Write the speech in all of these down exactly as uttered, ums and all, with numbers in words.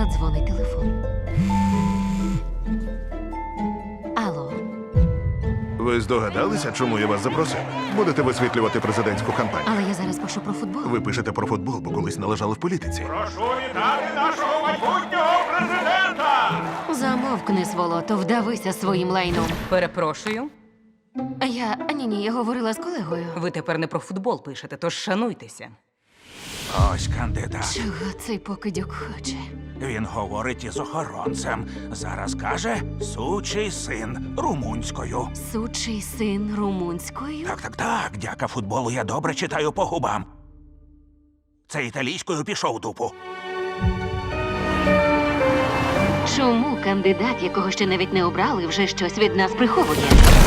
Дзвонить телефон. Алло. Ви здогадалися, чому я вас запросив? Будете висвітлювати президентську кампанію. Але я зараз пишу про футбол. Ви пишете про футбол, бо колись належали в політиці. Прошу вітати нашого майбутнього президента! Замовкни, сволото, вдавися своїм лайном. Перепрошую, Я... Ні-ні, я говорила з колегою. ви тепер не про футбол пишете, тож шануйтеся. Ось кандидат. Чого цей покидьок хоче? Він говорить із охоронцем. Зараз каже сучий син румунською. Сучий син румунською? Так, так, так. Дяка футболу я добре читаю по губам. Це італійською пішов дупу. Чому кандидат, якого ще навіть не обрали, вже щось від нас приховує?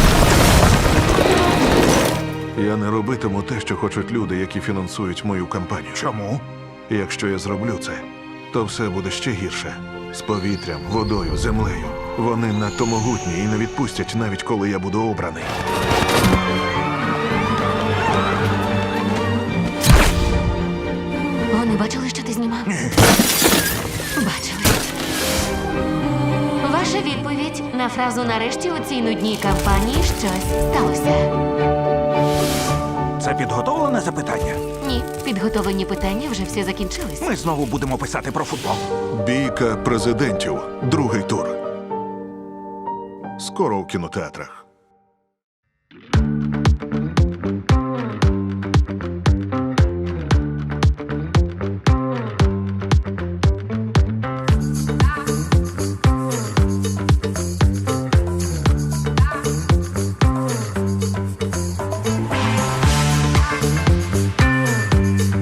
Я не робитиму те, що хочуть люди, які фінансують мою кампанію. Чому? Якщо я зроблю це, то все буде ще гірше. З повітрям, водою, землею. Вони надто могутні і не відпустять, навіть коли я буду обраний. Вони бачили, що ти знімав? Бачили. Ваша відповідь на фразу «нарешті у цій нудній кампанії щось сталося». Це підготовлене запитання? Ні, підготовлені питання вже всі закінчились. Ми знову будемо писати про футбол. Бійка президентів. Другий тур. Скоро у кінотеатрах.